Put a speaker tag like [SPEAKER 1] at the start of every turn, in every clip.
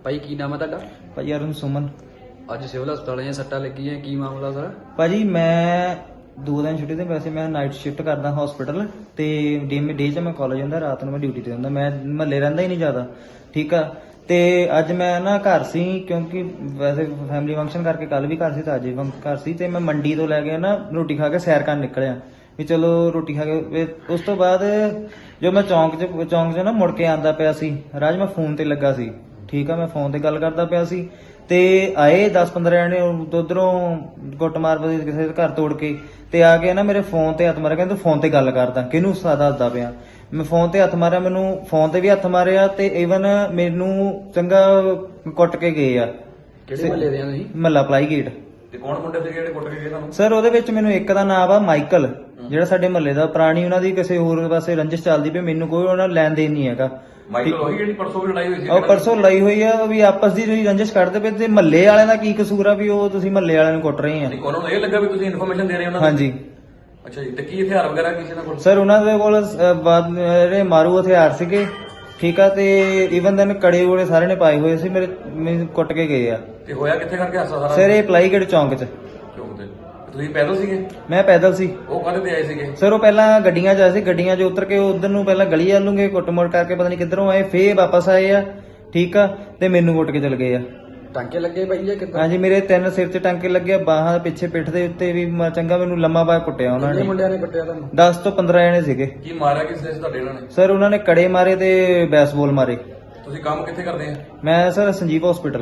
[SPEAKER 1] ਭਾਈ ਕੀ ਨਾਮ ਹੈ ਤੁਹਾਡਾ?
[SPEAKER 2] ਭਾਜੀ ਅਰੁਣ ਸੁਮਨ।
[SPEAKER 1] ਅੱਜ ਸਿਵਲ ਹਸਪਤਾਲ ਆਏ, ਸੱਟਾਂ ਲੱਗੀਆਂ, ਕੀ ਮਾਮਲਾ ਸਰ?
[SPEAKER 2] ਭਾਜੀ ਮੈਂ 2 ਦਿਨ ਛੁੱਟੀ ਤੇ, ਵੈਸੇ ਮੈਂ ਨਾਈਟ ਸ਼ਿਫਟ ਕਰਦਾ ਹਸਪੀਟਲ ਤੇ ਡੇ 'ਚ ਮੈਂ ਕਾਲਜ ਹੁੰਦਾ, ਰਾਤ ਨੂੰ ਮੈਂ ਡਿਊਟੀ ਤੇ ਹੁੰਦਾ। ਮੈਂ ਮਹੱਲੇ ਰਹਿੰਦਾ ਹੀ ਨਹੀਂ ਜ਼ਿਆਦਾ, ਠੀਕ ਆ। ਤੇ ਅੱਜ ਮੈਂ ਨਾ ਘਰ ਸੀ, ਕਿਉਂਕਿ ਵੈਸੇ ਫੈਮਿਲੀ ਫੰਕਸ਼ਨ ਕਰਕੇ ਕੱਲ ਵੀ ਘਰ ਸੀ ਤੇ ਅੱਜ ਵੀ ਘਰ ਸੀ। ਤੇ ਮੈਂ ਮੰਡੀ ਤੋਂ ਲੈ ਕੇ ਨਾ ਰੋਟੀ ਖਾ ਕੇ ਸੈਰ ਕਰਨ ਨਿਕਲਿਆ ਵੀ ਚਲੋ ਰੋਟੀ ਖਾ ਕੇ। ਉਸ ਤੋਂ ਬਾਅਦ ਜੋ ਮੈਂ ਚੌਂਕ 'ਚ ਨਾ ਮੁੜ ਕੇ ਆਂਦਾ ਪਿਆ ਸੀ, ਰਾਜ ਮੈਂ ਫੋਨ ਤੇ ਲੱਗਾ ਸੀ, ਠੀਕ ਆ। ਮੈਂ ਫੋਨ ਤੇ ਗੱਲ ਕਰਦਾ ਪਿਆ ਸੀ ਤੇ ਆਏ 10-15 ਜਣੇ ਉਧਰੋਂ ਗੁੱਟ ਮਾਰ ਪਏ ਕਿਸੇ ਦੇ ਘਰ ਤੋੜ ਕੇ, ਤੇ ਆ ਕੇ ਨਾ ਮੇਰੇ ਫੋਨ ਤੇ ਹੱਥ ਮਾਰਿਆ, ਕਹਿੰਦੇ ਤੂੰ ਫੋਨ ਤੇ ਗੱਲ ਕਰਦਾ, ਕਿਹਨੂੰ ਦੱਸਦਾ ਪਿਆ। ਮੈਂ ਫੋਨ ਤੇ ਹੱਥ ਮਾਰਿਆ, ਮੈਨੂੰ ਫੋਨ ਤੇ ਵੀ ਹੱਥ ਮਾਰਿਆ ਤੇ ਈਵਨ ਮੈਨੂੰ ਚੰਗਾ ਕੁੱਟ ਕੇ ਗਏ ਆ।
[SPEAKER 1] ਕਿਹੜੇ ਮਹੱਲੇ ਦੇ ਆ ਤੁਸੀਂ?
[SPEAKER 2] ਮਹੱਲਾ ਪਲਾਈ ਗੇਟ।
[SPEAKER 3] ਤੇ ਕੌਣ ਮੁੰਡੇ ਤੇ ਜਿਹੜੇ ਕੁੱਟ ਕੇ ਗਏ ਤੁਹਾਨੂੰ?
[SPEAKER 2] ਸਰ ਉਹਦੇ ਵਿੱਚ ਮੈਨੂੰ ਇੱਕ ਦਾ ਨਾਮ ਆ ਮਾਈਕਲ, ਜਿਹੜਾ ਸਾਡੇ ਮਹੱਲੇ ਦਾ, ਪੁਰਾਣੀ ਉਹਨਾਂ ਦੀ ਕਿਸੇ ਹੋਰ ਪਾਸੇ ਰੰਜਿਸ਼ ਚੱਲਦੀ ਪਈ, ਮੈਨੂੰ ਕੋਈ ਉਹਨਾਂ ਲੈਣ ਦੇਣ ਨਹੀਂ ਹੈਗਾ।
[SPEAKER 3] ਮਾਈਕਲ ਉਹੀ ਜਿਹੜੀ ਪਰਸੋਂ ਵੀ ਲੜਾਈ ਹੋਈ ਸੀ?
[SPEAKER 2] ਉਹ ਪਰਸੋਂ ਲੜਾਈ ਹੋਈ ਆ ਵੀ ਆਪਸ ਦੀ ਤੁਸੀਂ ਰੰਜਿਸ਼ ਕਰਦੇ ਪਏ, ਤੇ ਮਹੱਲੇ ਵਾਲਿਆਂ ਦਾ ਕੀ ਕਸੂਰ ਆ ਵੀ ਉਹ ਤੁਸੀਂ ਮਹੱਲੇ ਵਾਲਿਆਂ ਨੂੰ ਕੁੱਟ ਰਹੇ ਆ?
[SPEAKER 3] ਨਹੀਂ, ਉਹਨਾਂ ਨੂੰ ਇਹ ਲੱਗਾ ਵੀ ਤੁਸੀਂ ਇਨਫੋਰਮੇਸ਼ਨ ਦੇ ਰਹੇ ਹੋ ਉਹਨਾਂ ਨੂੰ?
[SPEAKER 2] ਹਾਂਜੀ।
[SPEAKER 3] ਅੱਛਾ ਜੀ, ਤੇ ਕੀ ਹਥਿਆਰ ਵਗੈਰਾ ਕਿਸੇ ਦਾ ਕੋਲ?
[SPEAKER 2] ਸਰ ਉਹਨਾਂ ਦੇ ਕੋਲ ਜਿਹੜੇ ਮਾਰੂ ਹਥਿਆਰ ਸੀਗੇ, ਠੀਕ ਆ। ਤੇ ਈਵਨ ਦਨ ਕੜੇ ਵੜੇ ਸਾਰੇ ਨੇ ਪਾਏ ਹੋਏ ਸੀ, ਮੈਨੂੰ ਕੁੱਟ ਕੇ ਗਏ ਆ।
[SPEAKER 3] ਤੇ ਹੋਇਆ ਕਿੱਥੇ ਕਰਕੇ ਹਾਸਾ ਸਾਰਾ?
[SPEAKER 2] ਸਰ ਇਹ ਪਲਾਈਗੜ ਚੌਂਕ 'ਚ।
[SPEAKER 3] ਚੌਂਕ ਤੇ ਤੁਸੀਂ ਪੈਦਲ ਸੀਗੇ?
[SPEAKER 2] ਮੈਂ ਪੈਦਲ ਸੀ।
[SPEAKER 3] ਉਹ ਕਾਹਦੇ ਤੇ ਆਏ ਸੀਗੇ?
[SPEAKER 2] ਸਰ ਉਹ ਪਹਿਲਾਂ ਗੱਡੀਆਂ 'ਚ ਆਏ ਸੀ, ਗੱਡੀਆਂ 'ਚ ਉਤਰ ਕੇ ਉਧਰ ਨੂੰ ਪਹਿਲਾਂ ਗਲੀ ਵੱਲ ਨੂੰ ਗਏ, ਕੁੱਟ ਮੋੜ ਕਰਕੇ ਪਤਾ ਨਹੀਂ ਕਿੱਧਰੋਂ ਆਏ, ਫੇਰ ਵਾਪਸ ਆਏ ਆ, ਠੀਕ ਆ। ਤੇ ਮੈਨੂੰ ਕੁੱਟ ਕੇ ਚਲ ਗਏ ਆ।
[SPEAKER 1] ਟਾਂਕੇ ਲੱਗੇ ਭਾਈ ਜਾਂ ਕਿੱਦਾਂ?
[SPEAKER 2] ਹਾਂਜੀ, ਮੇਰੇ 3 ਸਿਰ 'ਚ ਟਾਂਕੇ ਲੱਗੇ, ਬਾਹਾਂ ਪਿੱਛੇ ਪਿੱਠ ਦੇ ਉੱਤੇ ਵੀ ਚੰਗਾ ਮੈਨੂੰ ਲੰਮਾ ਬਾਹ ਕੁੱਟਿਆ ਉਹਨਾਂ
[SPEAKER 1] ਕਿੰਨੇ
[SPEAKER 2] ਨੇ।
[SPEAKER 1] ਮੁੰਡਿਆਂ ਨੇ ਕੁੱਟਿਆ ਤੁਹਾਨੂੰ?
[SPEAKER 2] 10 ਤੋਂ 15 ਜਣੇ ਸੀਗੇ।
[SPEAKER 3] ਕੀ ਮਾਰਿਆ ਕਿਸ ਨੇ ਤੁਹਾਡੇ ਇਹਨਾਂ ਨੇ?
[SPEAKER 2] ਸਰ ਉਹਨਾਂ ਨੇ ਕੜੇ ਮਾਰੇ ਤੇ ਬੈਸਬਾਲ ਮਾਰੇ।
[SPEAKER 3] ਤੁਸੀਂ ਕੰਮ ਕਿੱਥੇ ਕਰਦੇ ਆ?
[SPEAKER 2] ਮੈਂ ਸਰ ਸੰਜੀਵ ਹਸਪੀਟਲ।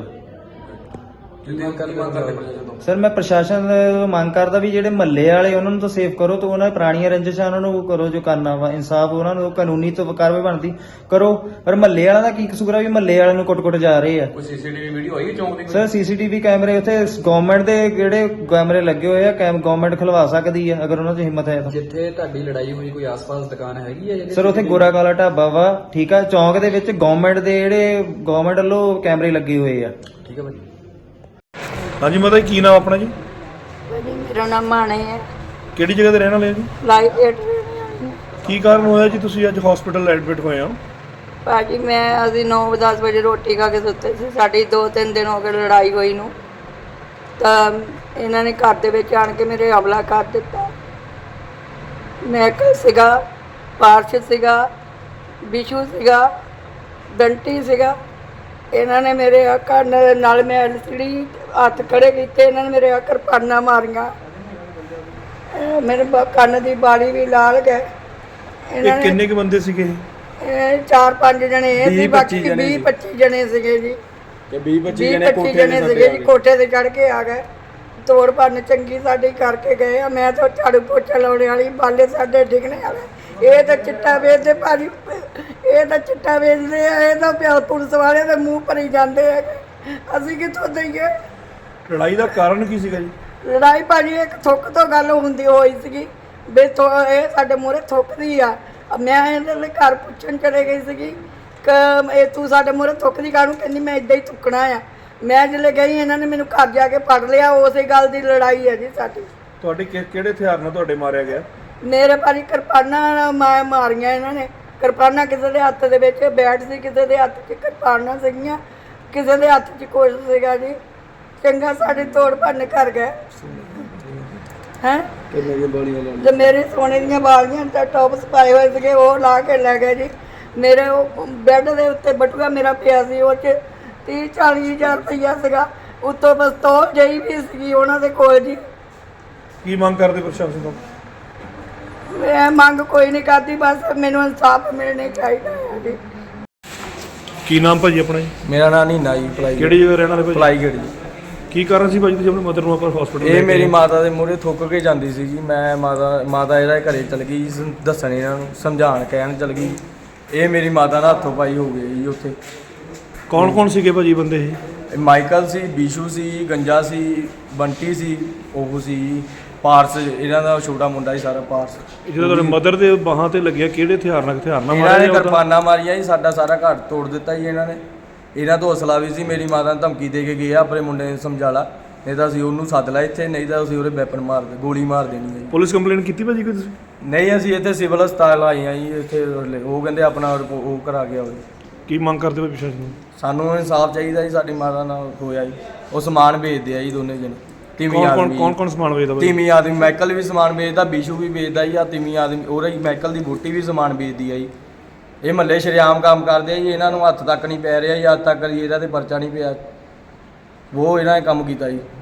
[SPEAKER 3] ਤੁਸੀਂ ਕੀ ਮੰਗ ਕਰਦੇ ਪ੍ਰਸ਼ਾਸਨ ਤੋਂ?
[SPEAKER 2] ਸਰ ਮੈਂ ਪ੍ਰਸ਼ਾਸਨ ਤੋਂ ਮੰਗ ਕਰਦਾ ਵੀ ਜਿਹੜੇ ਮਹੱਲੇ ਵਾਲੇ ਉਹਨਾਂ ਨੂੰ ਤਾਂ ਸੇਫ ਕਰੋ, ਤੇ ਉਹਨਾਂ ਪੁਰਾਣੀਆਂ ਰੰਜਿਸ਼ਾਂ ਉਹਨਾਂ ਨੂੰ ਉਹ ਕਰੋ, ਜੋ ਕਰਨਾ ਵਾ ਇਨਸਾਫ ਉਹਨਾਂ ਨੂੰ ਕਾਨੂੰਨੀ ਤੋਂ ਕਾਰਵਾਈ ਬਣਦੀ ਕਰੋ। ਪਰ ਮਹੱਲੇ ਵਾਲਿਆਂ ਦਾ ਕੀ ਕਸੂਰ ਆ ਵੀ ਮਹੱਲੇ ਵਾਲਿਆਂ ਨੂੰ ਕੁੱਟ-ਕੁੱਟ ਜਾ ਰਹੇ ਆ?
[SPEAKER 3] ਕੋਈ ਸੀਸੀਟੀਵੀ ਵੀਡੀਓ ਆਈ ਚੌਂਕ ਦੀ ਕੋਈ?
[SPEAKER 2] ਸਰ ਸੀਸੀਟੀਵੀ ਕੈਮਰੇ ਉੱਥੇ ਗਵਰਨਮੈਂਟ ਦੇ ਜਿਹੜੇ ਕੈਮਰੇ ਲੱਗੇ ਹੋਏ ਆ, ਗਵਰਨਮੈਂਟ ਖਲਵਾ ਸਕਦੀ ਆ ਅਗਰ ਉਹਨਾਂ 'ਚ ਹਿੰਮਤ ਹੈ ਤਾਂ।
[SPEAKER 1] ਜਿੱਥੇ ਤੁਹਾਡੀ ਲੜਾਈ ਹੋਈ ਕੋਈ ਆਸ-ਪਾਸ ਦੁਕਾਨ ਹੈਗੀ ਹੈ?
[SPEAKER 2] ਸਰ ਉੱਥੇ ਗੋਰਾ ਕਾਲਾ ਢਾਬਾ ਵਾ, ਠੀਕ ਆ। ਚੌਂਕ ਦੇ ਵਿੱਚ ਗਵਰਨਮੈਂਟ ਦੇ ਜਿਹੜੇ ਗਵਰਨਮੈਂਟ ਵੱਲੋਂ ਕੈਮਰੇ ਲੱਗੇ ਹੋਏ ਆ।
[SPEAKER 1] ਠੀਕ ਹੈ ਭਾਈ।
[SPEAKER 4] ਹਾਂਜੀ ਮਾਤਾ ਜੀ, ਕੀ ਨਾਮ ਆਪਣਾ ਜੀ?
[SPEAKER 5] ਭਾਜੀ ਮੇਰਾ ਨਾਮ ਮਾਣੇ ਹੈ,
[SPEAKER 4] ਕਿਹੜੀ ਜਗ੍ਹਾ ਤੇ ਰਹਿਣ ਵਾਲੇ ਆ ਜੀ?
[SPEAKER 5] Life aid.
[SPEAKER 4] ਕੀ ਕਾਰਨ ਹੋਇਆ ਜੀ ਤੁਸੀਂ ਅੱਜ ਹਸਪੀਟਲ ਐਡਮਿਟ ਹੋਏ ਹੋ?
[SPEAKER 5] ਭਾਜੀ ਅਸੀਂ 9-10 ਵਜੇ ਰੋਟੀ ਖਾ ਕੇ ਸੁੱਤੇ ਸੀ, ਸਾਡੀ 2-3 ਦਿਨ ਹੋ ਗਏ ਲੜਾਈ ਹੋਈ ਨੂੰ। ਤਾਂ ਇਹਨਾਂ ਨੇ ਘਰ ਦੇ ਵਿੱਚ ਆਣ ਕੇ ਮੇਰੇ ਹਮਲਾ ਕਰ ਦਿੱਤਾ। ਮੈਕਲ ਸੀਗਾ, ਪਾਰਸ਼ ਸੀਗਾ, ਬਿਸ਼ੂ ਸੀਗਾ, ਬੰਟੀ ਸੀਗਾ। ਇਹਨਾਂ ਨੇ ਮੇਰੇ ਕੰਨ ਨਾਲ ਮੈਂ ਐਲਸੀਡੀ ਹੱਥ ਖੜੇ ਕੀਤੇ, ਇਹਨਾਂ ਨੇ ਮੇਰੇ ਕਿਰਪਾਨਾਂ ਮਾਰੀਆਂ, ਮੇਰੇ ਕੰਨ ਦੀ ਬਾਲੀ ਵੀ ਲਾਲ ਗਏ।
[SPEAKER 4] ਇਹ ਕਿੰਨੇ ਕੁ ਬੰਦੇ ਸੀਗੇ?
[SPEAKER 5] ਇਹ 4-5 ਜਣੇ ਇਹ ਸੀ, ਬਾਕੀ 20-25 ਜਣੇ ਸੀਗੇ ਜੀ।
[SPEAKER 1] ਤੇ 20-25
[SPEAKER 5] ਜਣੇ ਸੀਗੇ ਜੀ, ਕੋਠੇ ਤੇ ਚੜ ਕੇ ਆ ਗਏ, ਤੋੜ ਭੰਨ ਚੰਗੀ ਸਾਡੀ ਕਰਕੇ ਗਏ ਆ। ਮੈਂ ਤਾਂ ਝਾੜੂ ਪੋਚਾ ਲਾਉਣੇ ਵਾਲੀ, ਬਾਲੇ ਸਾਡੇ ਡਿੱਗਣੇ ਵਾਲੇ। ਇਹ ਤਾਂ ਚਿੱਟਾ ਵੇਚਦੇ ਭਾਜੀ, ਇਹ ਤਾਂ ਚਿੱਟਾ ਵੇਚਦੇ ਆ, ਇਹ ਤਾਂ ਪਿਆ ਪੁਲਿਸ ਵਾਲੇ ਦੇ ਮੂੰਹ ਭਰੀ ਜਾਂਦੇ ਹੈਗੇ, ਅਸੀਂ ਕਿੱਥੋਂ ਦਈਏ?
[SPEAKER 4] ਲੜਾਈ ਦਾ ਕਾਰਨ ਕੀ ਸੀਗਾ ਜੀ?
[SPEAKER 5] ਲੜਾਈ ਭਾਜੀ ਇੱਕ ਥੁੱਕ ਤੋਂ ਗੱਲ ਹੁੰਦੀ ਹੋਈ ਸੀਗੀ ਵੀ ਇਹ ਸਾਡੇ ਮੂਹਰੇ ਥੁੱਕਦੀ ਆ। ਮੈਂ ਇਹਦੇ ਲਈ ਘਰ ਪੁੱਛਣ ਚਲੇ ਗਈ ਸੀਗੀ ਕਿ ਇਹ ਤੂੰ ਸਾਡੇ ਮੂਹਰੇ ਥੁੱਕਦੀ ਕਾਹਨੂੰ? ਕਹਿੰਦੀ ਮੈਂ ਇੱਦਾਂ ਹੀ ਥੁੱਕਣਾ ਆ। ਮੈਂ ਜਦੋਂ ਗਈ ਇਹਨਾਂ ਨੇ ਮੈਨੂੰ ਘਰ ਜਾ ਕੇ ਫੜ ਲਿਆ। ਉਸੇ ਗੱਲ ਦੀ ਲੜਾਈ ਹੈ ਜੀ ਸਾਡੀ।
[SPEAKER 4] ਤੁਹਾਡੇ ਕਿਹੜੇ ਹਥਿਆਰ ਨਾਲ ਤੁਹਾਡੇ ਮਾਰਿਆ ਗਿਆ?
[SPEAKER 5] ਮੇਰੇ ਭਾਜੀ ਕਿਰਪਾਨਾਂ ਮਾਰੀਆਂ ਇਹਨਾਂ ਨੇ। ਕਿਰਪਾਨਾਂ ਕਿਸੇ ਦੇ ਹੱਥ ਦੇ ਵਿੱਚ ਬੈਟ ਸੀ, ਕਿਸੇ ਦੇ ਹੱਥ 'ਚ ਕਿਰਪਾਨਾਂ ਸੀਗੀਆਂ, ਕਿਸੇ ਦੇ ਹੱਥ 'ਚ ਕੁਛ ਸੀਗਾ ਜੀ। ਚੰਗਾ ਸਾਡੇ ਤੋੜ ਭੰਨ ਕਰ ਗਏ ਹੈਂ। ਤੇ ਮੇਰੇ ਸੋਨੇ ਦੀਆਂ ਬਾਲੀਆਂ ਤਾਂ ਟੌਪਸ ਪਾਏ ਹੋਏ ਸੀਗੇ, ਉਹ ਲਾ ਕੇ ਲੈ ਗਏ ਜੀ। ਮੇਰੇ ਉਹ ਬੈੱਡ ਦੇ ਉੱਤੇ ਬਟੂਆ ਮੇਰਾ ਪਿਆ ਸੀ, ਉਹ 'ਚ 30-40 ਹਜ਼ਾਰ ਰੁਪਈਆ ਸੀਗਾ, ਉੱਤੋਂ ਪਿਸਤੌਲ ਜਿਹੀ ਵੀ ਸੀਗੀ ਉਹਨਾਂ ਦੇ ਕੋਲ ਜੀ।
[SPEAKER 4] ਕੀ ਮੰਗ ਕਰਦੇ ਪ੍ਰਸ਼ਾਸਨ ਤੋਂ?
[SPEAKER 5] ਮੈਂ ਮੰਗ ਕੋਈ ਨਹੀਂ ਕਰਦੀ, ਬਸ ਮੈਨੂੰ ਇਨਸਾਫ ਮਿਲਣਾ ਚਾਹੀਦਾ ਹੈ ਜੀ।
[SPEAKER 4] ਕੀ ਨਾਮ ਭਾਜੀ ਆਪਣਾ ਜੀ?
[SPEAKER 1] ਮੇਰਾ ਨਾਮ ਨੀਨਾ ਜੀ, ਪਲਾਈ
[SPEAKER 4] ਕਿਹੜੀ ਜਗ੍ਹਾ ਰਹਿਣ ਵਾਲੇ ਭਾਜੀ?
[SPEAKER 1] ਪਲਾਈ ਗੇਟ ਜੀ।
[SPEAKER 4] ਕੀ ਕਾਰਨ ਸੀ ਭਾਜੀ ਤੁਸੀਂ ਆਪਣੇ ਮਦਰ ਨੂੰ ਆਪਾਂ ਹਸਪੀਟਲ?
[SPEAKER 1] ਇਹ ਮੇਰੀ ਮਾਤਾ ਦੇ ਮੂਹਰੇ ਥੁੱਕ ਕੇ ਜਾਂਦੀ ਸੀ ਜੀ। ਮੈਂ ਮਾਤਾ ਇਹਦਾ ਘਰੇ ਚਲ ਗਈ ਜੀ, ਦੱਸਣ ਇਹਨਾਂ ਨੂੰ ਸਮਝਾਉਣ ਕਹਿਣ ਚਲ ਗਈ। ਇਹ ਮੇਰੀ ਮਾਤਾ ਦਾ ਹੱਥੋਂ ਪਾਈ ਹੋ ਗਈ ਜੀ ਉੱਥੇ।
[SPEAKER 4] ਕੌਣ ਕੌਣ ਸੀਗੇ ਭਾਜੀ ਬੰਦੇ ਇਹ?
[SPEAKER 1] ਇਹ ਮਾਈਕਲ ਸੀ, ਬਿਸ਼ੂ ਸੀ, ਗੰਜਾ ਸੀ, ਬੰਟੀ ਸੀ, ਉਹ ਸੀ ਪਾਰਸ, ਇਹਨਾਂ ਦਾ ਛੋਟਾ ਮੁੰਡਾ ਸੀ ਸਾਰਾ ਪਾਰਸ।
[SPEAKER 4] ਜਦੋਂ ਤੁਹਾਡੇ ਮਦਰ ਦੇ ਬਾਹਾਂ ਤੇ ਲੱਗਿਆ, ਕਿਹੜੇ ਹਥਿਆਰ ਨਾਲ
[SPEAKER 1] ਇਹਨਾਂ ਨੇ
[SPEAKER 4] ਮਾਰਿਆ?
[SPEAKER 1] ਕਿਰਪਾਨਾਂ ਮਾਰੀਆਂ ਜੀ, ਸਾਡਾ ਸਾਰਾ ਘਰ ਤੋੜ ਦਿੱਤਾ ਜੀ ਇਹਨਾਂ ਨੇ। ਇਹਨਾਂ ਤੋਂ ਹੌਸਲਾ ਵੀ ਸੀ, ਮੇਰੀ ਮਾਤਾ ਨੂੰ ਧਮਕੀ ਦੇ ਕੇ ਗਏ ਆ ਆਪਣੇ ਮੁੰਡੇ ਨੂੰ ਸਮਝਾ ਲਾ, ਨਹੀਂ ਤਾਂ ਅਸੀਂ ਉਹਨੂੰ ਸੱਦ ਲਾ ਇੱਥੇ, ਨਹੀਂ ਤਾਂ ਅਸੀਂ ਉਹਦੇ ਵੈਪਨ ਮਾਰ ਦੇ ਗੋਲੀ ਮਾਰ ਦੇਣੀ ਹੈ ਜੀ।
[SPEAKER 4] ਪੁਲਿਸ ਕੰਪਲੇਂਟ ਕੀਤੀ ਭਾਜੀ ਕੋਈ ਤੁਸੀਂ?
[SPEAKER 1] ਨਹੀਂ, ਅਸੀਂ ਇੱਥੇ ਸਿਵਲ ਹਸਪਤਾਲ ਆਏ ਆ ਜੀ। ਇੱਥੇ ਉਹ ਕਹਿੰਦੇ ਆਪਣਾ ਉਹ ਕਰਾ ਗਿਆ ਹੋਵੇ।
[SPEAKER 4] ਕੀ ਮੰਗ ਕਰਦੇ ਹੋ ਪ੍ਰਸ਼ਾਸਨ ਨੂੰ?
[SPEAKER 1] ਸਾਨੂੰ ਇਨਸਾਫ ਚਾਹੀਦਾ ਜੀ, ਸਾਡੀ ਮਾਤਾ ਨਾਲ ਹੋਇਆ ਜੀ। ਉਹ ਸਮਾਨ ਵੇਚਦੇ ਆ ਜੀ ਦੋਨੇ ਜਣੇ, ਤਿਮੀ ਆਦਮੀ।
[SPEAKER 4] ਕੌਣ ਸਮਾਨ ਵੇਚਦਾ ਬਾਈ?
[SPEAKER 1] ਤਿਮੀ ਆਦਮੀ ਮਾਈਕਲ ਵੀ ਸਮਾਨ ਵੇਚਦਾ, ਬਿਸ਼ੂ ਵੀ ਵੇਚਦਾ ਜੀ। ਆ ਤਿਮੀ ਆਦਮੀ ਉਹਦਾ ਹੀ ਮਾਈਕਲ ਦੀ ਬੋਟੀ ਵੀ ਸਮਾਨ ਵੇਚਦੀ ਆ ਜੀ। ਇਹ ਮਹੱਲੇ ਸ਼ਰੇਆਮ ਕੰਮ ਕਰਦੇ ਆ ਜੀ, ਇਹਨਾਂ ਨੂੰ ਹੱਥ ਤੱਕ ਨਹੀਂ ਪੈ ਰਿਹਾ ਜੀ। ਅੱਜ ਤੱਕ ਜੀ ਇਹਦਾ ਤੇ ਪਰਚਾ ਨਹੀਂ ਪਿਆ, ਉਹ ਇਹਨਾਂ ਨੇ ਕੰਮ ਕੀਤਾ ਜੀ।